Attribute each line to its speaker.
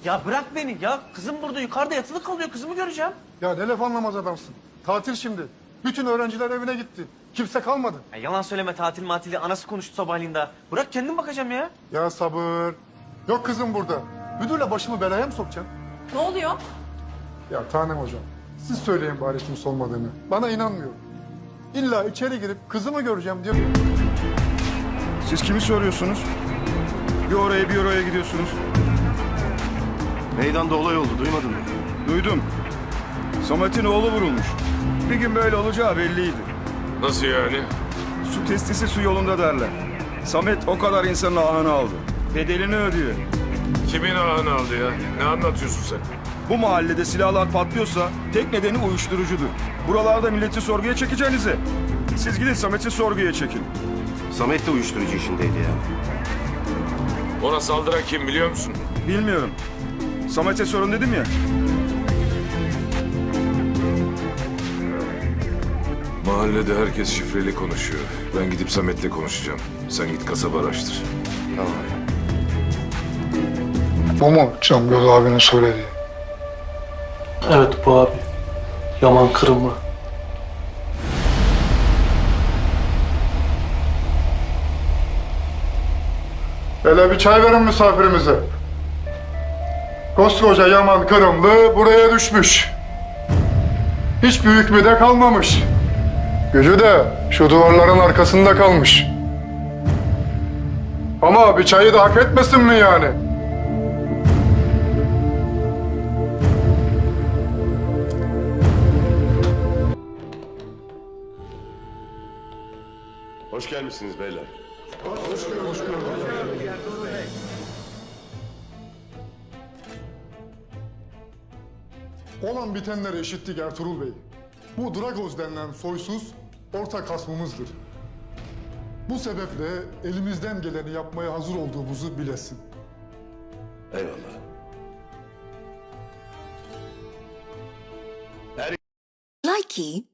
Speaker 1: Ya bırak beni ya. Kızım burada yukarıda yatılı kalıyor. Kızımı göreceğim.
Speaker 2: Ya ne laf anlamaz adamsın. Tatil şimdi. Bütün öğrenciler evine gitti. Kimse kalmadı.
Speaker 1: Ya yalan söyleme, tatil matili. Anası konuştu sabahleyin daha. Bırak kendim bakacağım ya.
Speaker 2: Ya sabır. Yok kızım burada. Müdürle başımı belaya mı sokacaksın?
Speaker 3: Ne oluyor?
Speaker 2: Ya Tanem hocam, siz söyleyin bari kimse olmadığını. Bana inanmıyor. İlla içeri girip kızımı göreceğim diyor.
Speaker 4: Siz kimi soruyorsunuz? Bir oraya bir oraya gidiyorsunuz.
Speaker 5: Meydanda olay oldu, duymadın mı?
Speaker 4: Duydum. Samet'in oğlu vurulmuş. Bir gün böyle olacağı belliydi.
Speaker 6: Nasıl yani?
Speaker 4: Su testisi su yolunda derler. Samet o kadar insanın ahını aldı. Bedelini ödüyor.
Speaker 6: Kimin ağını aldı ya? Ne anlatıyorsun sen?
Speaker 4: Bu mahallede silahlar patlıyorsa tek nedeni uyuşturucudur. Buralarda milleti sorguya çekeceğinize siz gidin Samet'i sorguya çekin.
Speaker 5: Samet de uyuşturucu işindeydi ya.
Speaker 6: Ona saldıran kim biliyor musun?
Speaker 4: Bilmiyorum. Samet'e sorun dedim ya.
Speaker 6: Mahallede herkes şifreli konuşuyor. Ben gidip Samet'le konuşacağım. Sen git kasaba araştır.
Speaker 5: Tamam.
Speaker 2: Bu mu Cangöz abinin söylediği?
Speaker 7: Evet bu abi. Yaman Kırımlı.
Speaker 2: Hele bir çay verin misafirimize. Koskoca Yaman Kırımlı buraya düşmüş. Hiçbir hükmü de kalmamış. Gücü de şu duvarların arkasında kalmış. Ama bir çayı da hak etmesin mi yani?
Speaker 5: Hoş gelmişsiniz beyler.
Speaker 2: Olan bitenleri işittik Ertuğrul Bey. Bu Dragoz denilen soysuz ortak hasmımızdır. Bu sebeple elimizden geleni yapmaya hazır olduğumuzu bilesin.
Speaker 5: Eyvallah.
Speaker 8: Likey